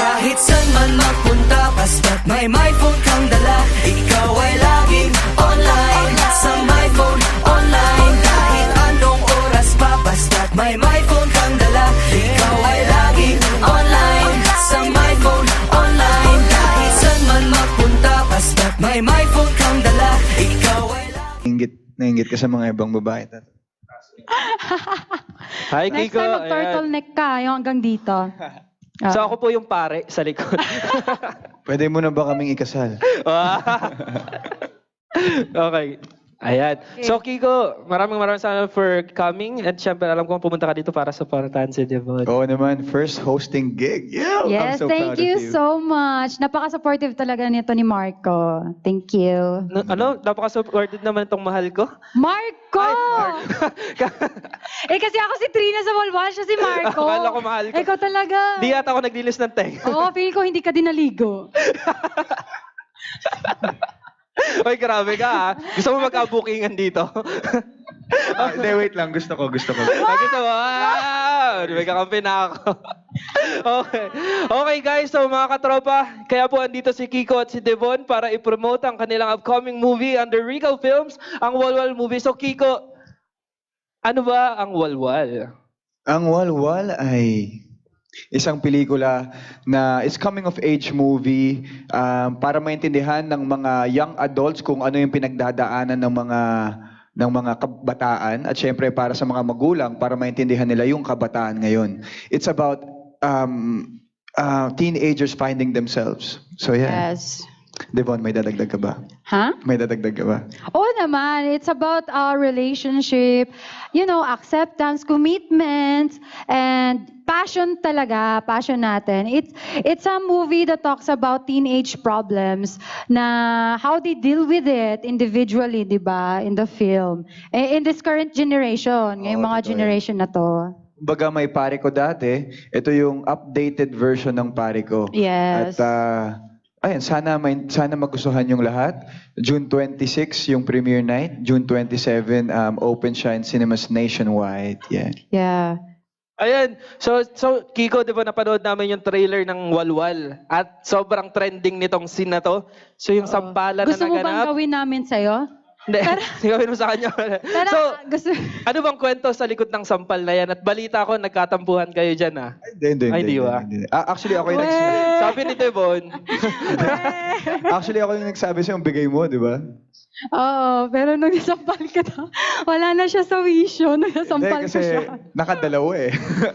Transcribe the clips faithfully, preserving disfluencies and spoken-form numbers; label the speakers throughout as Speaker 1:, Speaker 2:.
Speaker 1: Kahit saan man magpunta, basta't may my phone kang dala. Ikaw ay laging online, sa my phone online. Kahit anong oras pa, basta't may my phone kang dala. Ikaw ay laging online, sa my phone online. Kahit saan man magpunta, basta't may my phone kang dala. Ikaw ay laging
Speaker 2: Nainggit, nainggit ka sa mga ibang babae.
Speaker 3: Hi,
Speaker 4: Next
Speaker 3: Kiko.
Speaker 4: time
Speaker 3: Ayan.
Speaker 4: mag-turtleneck ka, yung hanggang dito.
Speaker 3: So ako po yung pare sa likod.
Speaker 2: Pwede mo na ba kaming ikasal?
Speaker 3: Okay. Ayan. So Kiko, maraming maraming salamat for coming. At syempre, alam ko pumunta ka dito para sa supportahan si Devon.
Speaker 2: Oo naman, first hosting gig. Yeah, I'm
Speaker 4: Yes,
Speaker 2: so
Speaker 4: thank
Speaker 2: proud
Speaker 4: you
Speaker 2: of you.
Speaker 4: so much. Napaka-supportive talaga nito ni Marco. Thank you.
Speaker 3: Na- ano? Napaka-supported naman itong mahal ko.
Speaker 4: Marco! eh kasi ako si Trina sa Walwal, siya si Marco.
Speaker 3: Akala ko mahal ko.
Speaker 4: Ikaw talaga.
Speaker 3: Di yata ako naglilis ng teng.
Speaker 4: Oo, feel ko hindi ka din naligo.
Speaker 3: Oy, grabe ka ha. Gusto mo magka-bookingan dito?
Speaker 2: Ah, Hindi, wait lang. Gusto ko, gusto ko.
Speaker 3: Ay, gusto mo? Wow! May kakampi na ako. Okay. Okay guys, so mga katropa, kaya po andito si Kiko at si Devon para i-promote ang kanilang upcoming movie under Regal Films, ang Walwal movie. So Kiko, ano ba ang Walwal?
Speaker 2: Ang Walwal ay isang pelikula na is coming of age movie um, para maintindihan ng mga young adults kung ano yung pinagdadaanan ng mga ng mga kabataan at syempre para sa mga magulang para maintindihan nila yung kabataan ngayon. It's about um, uh, teenagers finding themselves. So yeah.
Speaker 4: Yes.
Speaker 2: Devon, may dadagdag ka ba?
Speaker 4: Ha?
Speaker 2: May dadagdag ka ba?
Speaker 4: Oo naman, it's about our relationship, you know, acceptance, commitment, and passion talaga, passion natin. It's, it's a movie that talks about teenage problems na how they deal with it individually, di ba, in the film. Eh, in this current generation, ngayong
Speaker 2: Oo,
Speaker 4: mga
Speaker 2: totoo yan.
Speaker 4: generation na to.
Speaker 2: Kumbaga may pare ko dati, ito yung updated version ng pare ko.
Speaker 4: Yes.
Speaker 2: At uh, ayun, sana may, sana magustuhan yung lahat. June twenty-sixth yung premiere night, June twenty-seventh um, open siya in cinemas nationwide. Yeah.
Speaker 4: Yeah.
Speaker 3: Ayan. So, so Kiko, di ba napanood namin yung trailer ng Walwal? At sobrang trending nitong scene na to. So yung sampalan
Speaker 4: Gusto
Speaker 3: na
Speaker 4: mo bang
Speaker 3: naganap.
Speaker 4: gawin namin sa'yo?
Speaker 3: Hindi, gawin mo sa kanya.
Speaker 4: Tara,
Speaker 3: So,
Speaker 4: gusto...
Speaker 3: ano bang kwento sa likod ng sampal na yan? At balita ko, nagkatampuhan kayo dyan ah.
Speaker 2: Hindi, hindi,
Speaker 3: Ay,
Speaker 2: hindi.
Speaker 3: di ba?
Speaker 2: hindi, hindi. Ah, actually, ako yung
Speaker 4: Weh!
Speaker 2: nagsabi.
Speaker 3: Sabi ni Devon,
Speaker 2: Actually, ako yung nagsabi sa'yo, bigay mo, di ba?
Speaker 4: Oo, pero nung nasampal ka na, wala na siya sa wisyo, nung
Speaker 2: Hindi,
Speaker 4: nasampal ko
Speaker 2: kasi
Speaker 4: siya.
Speaker 2: nakadalawa eh.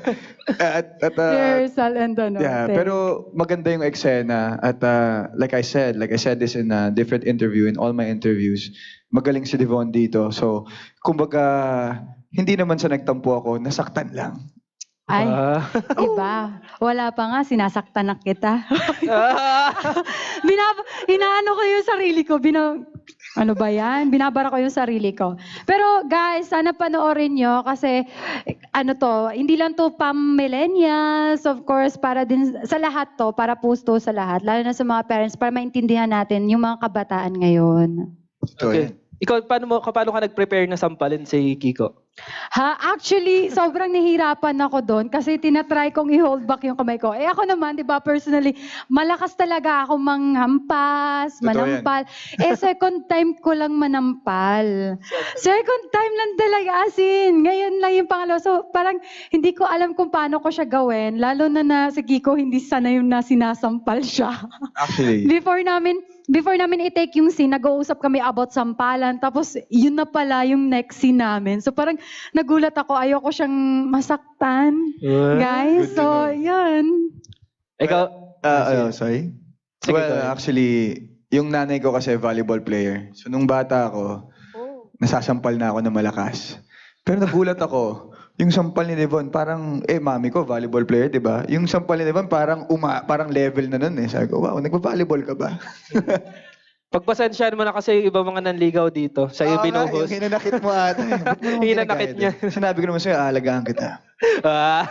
Speaker 2: at, at, uh,
Speaker 4: Rehearsal and ano.
Speaker 2: yeah,
Speaker 4: thing.
Speaker 2: pero maganda yung eksena. At uh, like I said, like I said this in a different interview, in all my interviews, magaling si Devon dito. So, kumbaga, hindi naman sa nagtampo ako, nasaktan lang.
Speaker 4: Ay,
Speaker 3: ah,
Speaker 4: iba. Wala pa nga, sinasaktan na kita.
Speaker 3: ah,
Speaker 4: Binab inaano ko yung sarili ko. Bina ano ba yan? Binabara ko yung sarili ko. Pero guys, sana panoorin nyo kasi ano to, hindi lang to pam millennials, of course, para din sa lahat to, para pusto sa lahat, lalo na sa mga parents, para maintindihan natin yung mga kabataan ngayon.
Speaker 2: So,
Speaker 3: okay. Ikaw, paano, mo, paano ka nag-prepare na sampalin si Kiko?
Speaker 4: Ha, actually, sobrang nahihirapan ako doon kasi tinatry kong i-hold back yung kamay ko. Eh ako naman, di ba, personally, malakas talaga ako manghampas,
Speaker 2: Totoo
Speaker 4: manampal. Eh second time ko lang manampal. Second time lang talaga, as in. Ngayon lang yung pangalawa. So parang hindi ko alam kung paano ko siya gawin. Lalo na na si Kiko, hindi sana yung na sinasampal siya.
Speaker 2: actually,
Speaker 4: Before namin, before namin i-take yung scene, nag-uusap kami about sampalan. Tapos, yun na pala yung next scene namin. So, parang nagulat ako. Ayoko siyang masaktan. Guys,
Speaker 2: Good to
Speaker 4: so,
Speaker 2: know.
Speaker 4: yun.
Speaker 3: Ikaw,
Speaker 2: uh, ano, sorry?
Speaker 3: Sige,
Speaker 2: well,
Speaker 3: go ahead.
Speaker 2: actually, yung nanay ko kasi volleyball player. So, nung bata ako, nasasampal na ako na malakas. Pero nagulat ako, yung sampal ni Devon, parang, eh, mami ko, volleyball player, di ba? Yung sampal ni Devon, parang, uma, parang level na nun eh. Sabi ko, wow, nagpa-volleyball ka ba?
Speaker 3: pagpasensyahan mo na kasi yung iba mga nanligaw dito. Sa iyo
Speaker 2: Oo nga,
Speaker 3: binuhos.
Speaker 2: Yung hinanakit mo ata eh. Ba't mo naman
Speaker 3: Hinanakit
Speaker 2: ginagaya
Speaker 3: niya.
Speaker 2: doon? Sinabi ko naman sa'yo, aalagaan kita.
Speaker 3: Ah.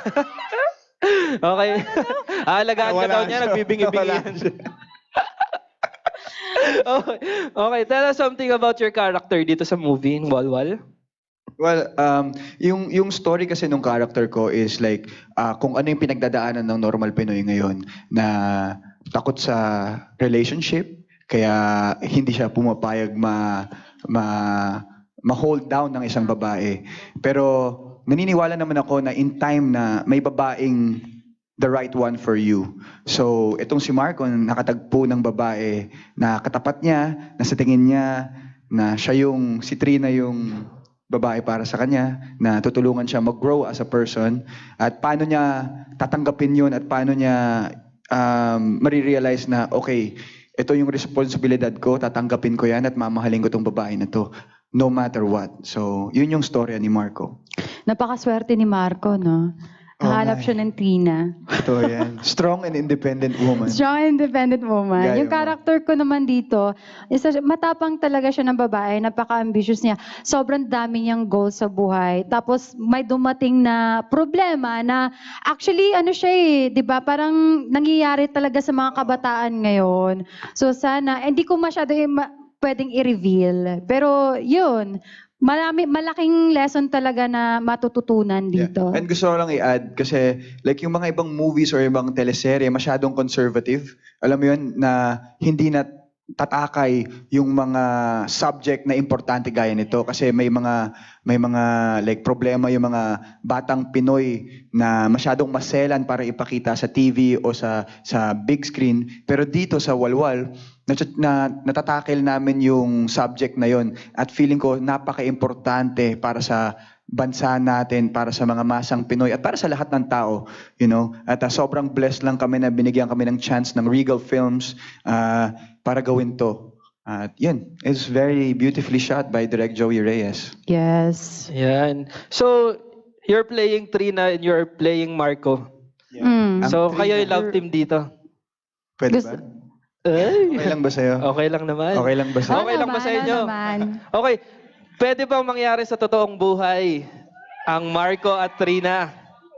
Speaker 3: Okay. Aalagaan ka
Speaker 2: Wala
Speaker 3: daw niya,
Speaker 2: siya.
Speaker 3: nagbibingi-bingi
Speaker 2: Wala
Speaker 3: yan.
Speaker 2: siya.
Speaker 3: Okay. Okay, tell us something about your character dito sa movie, in Walwal.
Speaker 2: Well, um, yung yung story kasi nung character ko is like ah, kung ano yung pinagdadaanan ng normal Pinoy ngayon na takot sa relationship, kaya hindi siya pumapayag ma ma ma-hold down ng isang babae. Pero naniniwala naman ako na in time na may babaeng the right one for you. So, itong si Marco, nakatagpo ng babae na katapat niya, na sa tingin niya, na siya yung, si Trina yung babae para sa kanya, na tutulungan siya mag-grow as a person, at paano niya tatanggapin yun, at paano niya um, marirealize na, okay, ito yung responsibilidad ko, tatanggapin ko yan, at mamahalin ko tong babae na to, no matter what. So, yun yung storya ni Marco.
Speaker 4: Napakaswerte ni Marco, no? Nahanap
Speaker 2: nga
Speaker 4: siya ng Trina.
Speaker 2: Ito yan. Strong and independent woman.
Speaker 4: Strong independent woman.
Speaker 2: Gaya
Speaker 4: Yung
Speaker 2: mo.
Speaker 4: character ko naman dito, isa, matapang talaga siya ng babae, napaka-ambitious niya. Sobrang dami niyang goals sa buhay. Tapos may dumating na problema na actually ano siya eh, 'di ba? Parang nangyayari talaga sa mga kabataan ngayon. So sana hindi ko masyado i- ma- pwedeng i-reveal. Pero 'yun, marami malaking lesson talaga na matututunan dito.
Speaker 2: Yeah. And gusto ko lang i-add kasi like yung mga ibang movies or ibang teleserye masyadong conservative. Alam mo yun na hindi na tatakay yung mga subject na importante gaya nito kasi may mga may mga like problema yung mga batang Pinoy na masyadong maselan para ipakita sa T V o sa sa big screen, pero dito sa Walwal na, na natatakel namin yung subject na yon at feeling ko napaka-importante para sa bansa natin, para sa mga masang Pinoy at para sa lahat ng tao, you know. At uh, sobrang blessed lang kami na binigyan kami ng chance ng Regal Films uh, para gawin to. At yun, it's very beautifully shot by Direk Joey Reyes.
Speaker 4: Yes.
Speaker 3: Yan. So, you're playing Trina and you're playing Marco.
Speaker 4: Mm.
Speaker 2: Ang
Speaker 3: So,
Speaker 2: Trina.
Speaker 3: kayo yung love team dito.
Speaker 2: Pwede
Speaker 4: Gusto-
Speaker 2: ba?
Speaker 3: Ay.
Speaker 2: Okay lang ba sa'yo?
Speaker 3: Okay lang naman.
Speaker 2: Okay lang ba sa'yo?
Speaker 3: Okay lang ba
Speaker 4: naman,
Speaker 3: sa inyo?
Speaker 4: ano naman.
Speaker 3: Okay. Pwede bang mangyari sa totoong buhay ang Marco at Trina?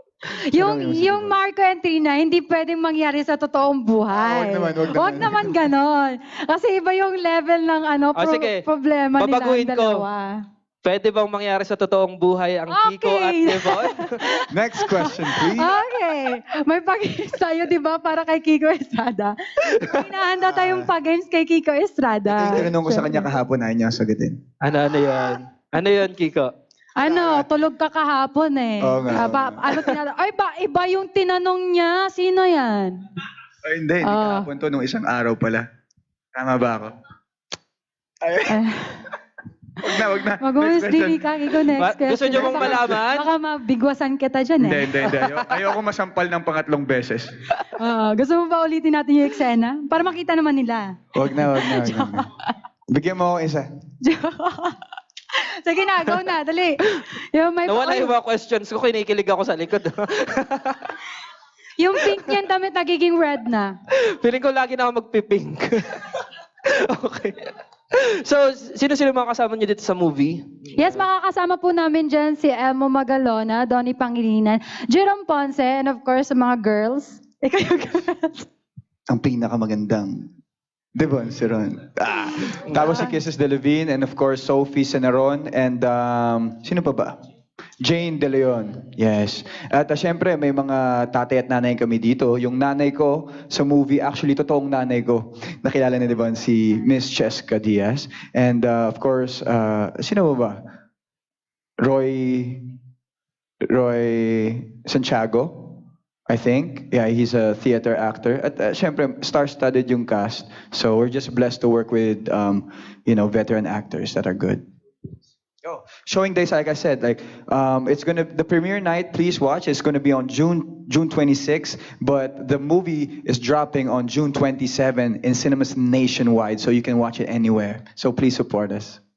Speaker 4: Yung, yung Marco and Trina, hindi pwedeng mangyari sa totoong buhay.
Speaker 2: Ah, wag naman, wag naman.
Speaker 4: Wag naman ganon. Kasi iba yung level ng ano,
Speaker 3: Ah,
Speaker 4: pro-
Speaker 3: sige.
Speaker 4: problema nila
Speaker 3: Babaguhin
Speaker 4: ang
Speaker 3: ko.
Speaker 4: dalawa.
Speaker 3: Pwede bang mangyari sa totoong buhay ang Kiko at
Speaker 4: Okay.
Speaker 3: Devon?
Speaker 2: Next question, please.
Speaker 4: Okay. May pag-games tayo, di ba, para kay Kiko Estrada. Hinahanda tayong pag-games kay Kiko Estrada.
Speaker 2: Ito yung tinanong ko sa kanya kahapon, ayaw niya sagutin.
Speaker 3: ano, ano yun? Ano yun, Kiko?
Speaker 4: Ano, tulog ka kahapon eh.
Speaker 2: Oo nga,
Speaker 4: Ah, ba,
Speaker 2: oo nga.
Speaker 4: ano tinanong? Ay, ba, iba yung tinanong niya. Sino yan?
Speaker 2: Ay, hindi. Hindi
Speaker 4: Ah.
Speaker 2: kahapon to, nung isang araw pala. Tama ba ako? Ay,
Speaker 4: Eh,
Speaker 2: wag na, wag na.
Speaker 4: Mag-umus
Speaker 2: Next
Speaker 4: din
Speaker 2: question.
Speaker 4: ka, Kiko, next
Speaker 3: Ba-
Speaker 4: question.
Speaker 3: gusto niyo bang
Speaker 4: Baka-
Speaker 3: malaman?
Speaker 4: Baka mabigwasan kita dyan
Speaker 2: Hindi,
Speaker 4: eh.
Speaker 2: hindi, hindi. Ayaw, ayoko masampal ng pangatlong beses.
Speaker 4: Ah, gusto mo ba ulitin natin yung eksena? Para makita naman nila.
Speaker 2: Wag na, wag na, wag na. wag na. Bigyan mo ako isa.
Speaker 4: Sige na, go na, dali. Yung, may,
Speaker 3: Nawala
Speaker 4: ay,
Speaker 3: yung mga questions ko, kinikilig ako sa likod.
Speaker 4: yung pink niyan damit nagiging red na.
Speaker 3: Feeling ko lagi na ako magpipink. Okay. So, sino-sino mga kasama niyo dito sa movie?
Speaker 4: Yes, makakasama po namin dyan si Elmo Magalona, Donnie Pangilinan, Jerome Ponce, and of course, sa mga girls. Ikaw yung girls.
Speaker 2: Ang pinakamagandang Devon, si Ron. Ah. Tapos si Kisses De Levine and of course Sophie Senaron and um, sino pa ba? Jane De Leon. Yes. At uh, syempre may mga tatay at nanay kami dito. Yung nanay ko sa movie, actually totoong nanay ko. Nakilala ni Devon si Miss Cheska Diaz. And uh, of course, uh, sino ba ba? Roy Roy Santiago. I think. Yeah, he's a theater actor. At uh, syempre, star-studded yung cast. So we're just blessed to work with, um, you know, veteran actors that are good. Oh, showing days, like I said, like um, it's gonna the premiere night. Please watch. It's gonna be on June June twenty-sixth, but the movie is dropping on June twenty-seventh in cinemas nationwide, so you can watch it anywhere. So please support us.